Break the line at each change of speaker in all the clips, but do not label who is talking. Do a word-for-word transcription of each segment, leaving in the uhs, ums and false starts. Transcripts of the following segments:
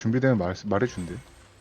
준비되면 말, 말해준대.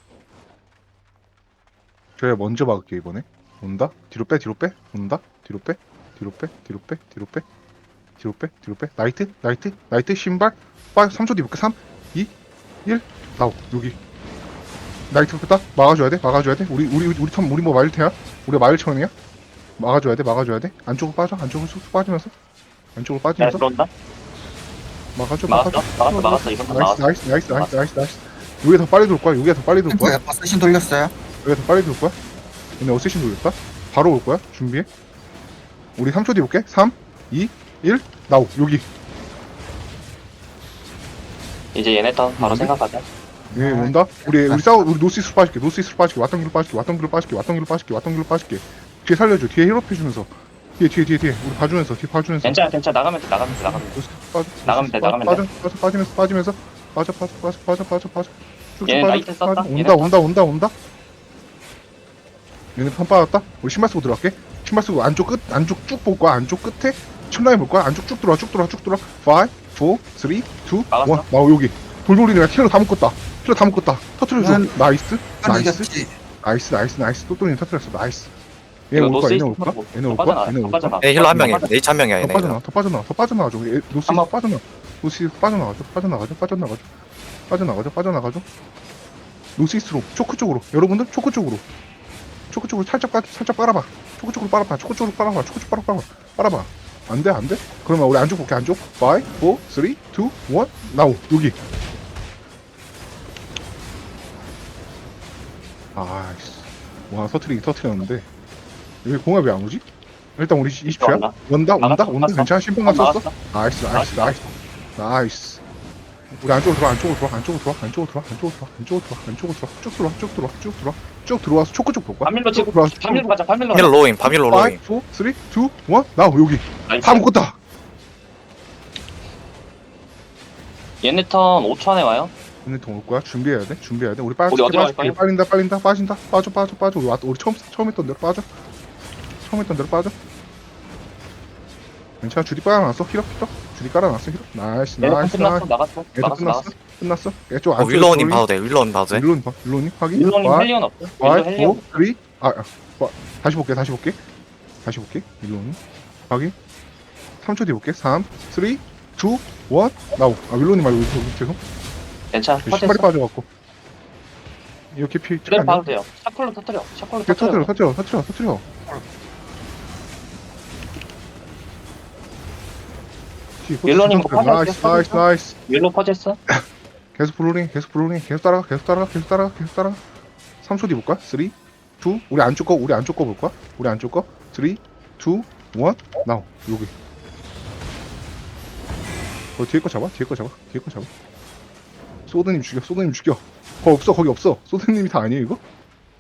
저야 먼저 막을게 이번에. 온다? 뒤로 빼, 뒤로 빼. 온다? 뒤로 빼, 뒤로 빼, 뒤로 빼, 뒤로 빼, 뒤로 빼, 뒤로 빼. 나이트, 나이트, 나이트, 신발. 빠, 삼 초 뒤 볼게. 삼, 이, 일. 나오, 여기. 나이트 뺐다. 막아줘야 돼, 막아줘야 돼. 우리, 우리, 우리 턴, 우리 뭐 마일테야? 우리가 마일천이야? 막아줘야 돼, 막아줘야 돼. 안쪽으로 빠져, 안쪽으로 쑥 빠지면서. 안쪽으로
야,
빠지면서.
들어온다?
막아줘,
막았어?
막아줘.
막았어, 막았어. 이번 턴
나이스,
막았어.
나이스, 나이스, 나이스, 나이스, 나이스. 여기가 더 빨리 돌 거야, 여기가 더 빨리 돌 거야.
템포 버스신 돌렸어요.
여기가 더 빨리 돌 거야. 얘네 어쌔신 돌렸다. 바로 올 거야. 준비해. 우리 삼 초 뒤 볼게. 삼, 이, 일. 나오. 여기.
이제 얘네 턴 바로
음.
생각하자.
예, 온다. 우리 우리 싸우 우리 노스이스로 빠질게. 노스이스로 빠질게. 왔던 길로 빠질게. 왔던 길로 빠질게. 왔던 길로 빠질게. 왔던 길로 빠질게. 뒤에 살려줘. 뒤에 힐업 해주면서. 뒤에 뒤에 뒤에 뒤에. 우리 봐주면서. 뒤에 봐주면서.
괜찮아, 괜찮아. 나가면 돼, 나가면 돼, 나가면 돼.
노스 빠져.
나가면 돼,
빠져,
나가면
빠져, 빠져, 빠지면서 빠지면서. 빠져 빠져 빠져 빠져 빠져 빠져. 쭉쭉
얘네
빠져,
나이트 썼다.
빠져.
얘네
온다 온다 온다 온다. 얘네 판 빠졌다. 우리 신발 쓰고 들어갈게. 신발 쓰고 안쪽 끝 안쪽 쭉 볼 거야. 안쪽 끝에 칠라인 볼 거야. 안쪽 쭉 들어와 쭉 들어와 쭉 들어와. 오, 사, 삼, 이, 일.
막았어.
나오 여기. 돌돌이네. 킬러 다 묶었다. 킬러 다 묶었다. 터트려줘.
음.
나이스. 나이스.
이겼지.
나이스 나이스 나이스. 또또님 터트렸어. 나이스. 얘
이거
올 거야. 얘네
노스이스트
올 거야.
뭐,
얘네 올
더
거야.
빠져나와,
얘네
더
올 거야.
빠져나와.
네, 힐러 한 명이에요.
더
네이치 한 명이야,
더
얘네.
빠져나와. 더 빠져나와. 더 빠져나와줘. 얘 노스
한번-
빠져나와. 노스 빠져나가죠. 빠져나가죠. 빠져나가죠. 빠져나가죠. 빠져나가죠. 노스이스트로 초크 쪽으로. 여러분들 초크 쪽으로. 초크 쪽으로 살짝 빠 살짝 빨아봐. 초크 쪽으로 빨아봐. 초크 쪽으로 빨아봐. 초크 쪽으로 빨아봐. 빨아봐. 안 돼, 안 돼? 그러면 우리 안쪽 볼게. 안쪽. 오, 사, 삼, 이, 일. 나오. 여기. 아이씨. 와, 터트리기 터트렸는데. 여기 공합 왜 안 오지? 일단 우리 이십 초야.
왔나?
온다, 온다,
막았어,
온다.
막았어.
괜찮아. 신분감 썼어.
막았어.
나이스, 나이스, 나이스. 나이스. 우리 안쪽으로 들어와, 안쪽으로 들어와, 안쪽으로 들어와, 안쪽으로 들어와, 안쪽으로 들어와, 안쪽으로 들어와, 안쪽으로 들어와, 쭉 들어와, 쭉 들어와, 쭉 들어와, 쭉 들어와서 초크 쪽 볼 거야.
파밀로
쭉
치고,
들어와서 쭉
파밀로 가자, 파밀로
힐러
가자.
로잉, 밤힐러
오, 사,
로잉.
삼, 이, 일. 나오, 여기.
나이스.
다 묶었다.
얘네 턴 오 초 안에 와요.
얘네 동올 거야. 준비해야 돼. 준비해야 돼. 우리 빠져.
우리 어디로 갈
빠져.
거야?
빨린다. 빨린다. 빠진다. 빠져. 빠져. 빠져. 우리 왔. 우리 처음 처음 했던 대로 빠져. 처음 했던 대로 빠져. 괜찮아. 줄이 깔아놨어. 힐업 힐업. 줄이 깔아놨어. 힐업. 나이스.
얘네 턴
나이스.
끝났어,
나이스.
나갔어.
얘도
나갔어,
끝났어.
나갔어.
끝났어. 얘쪽
어,
안쪽.
윌로우님 봐도 돼, 윌로우님 봐도 돼.
윌로우님 봐. 윌로우님 확인.
일론님
와,
헬리온 없어.
와,
윌로 헬리온.
오, 쓰리. 아, 아, 와, 다시 볼게. 다시 볼게. 다시 볼게. 윌로우님 확인. 삼 초 뒤 볼게. 삼, 삼, 이, 일. 나오. 아, 윌로우님 말고 여기 계속.
괜찮아,
신발이
퍼졌어.
빠져갖고. 이렇게 피.
그래, 봐도 돼요. 샤콜로 터뜨려, 샤콜로
터트려,
터뜨려.
터트려, 터트려, 터트려.
윌로우님 뭐
나이스,
빠져,
나이스,
빠져.
나이스.
윌로 퍼졌어.
계속 블루링, 계속 블루링, 계속 따라가, 계속 따라가, 계속 따라가, 계속 따라가. 삼 초 뒤 볼까? 삼, 이. 우리 안쪽 거, 우리 안쪽 거 볼 거야? 우리 안쪽 거. 삼, 이, 일. 나오. 여기. 어, 뒤에 거 잡아, 뒤에 거 잡아, 뒤에 거 잡아. 소드님 죽여, 소드님 죽여. 거 없어, 거기 없어. 소드님이 다 아니에요, 이거?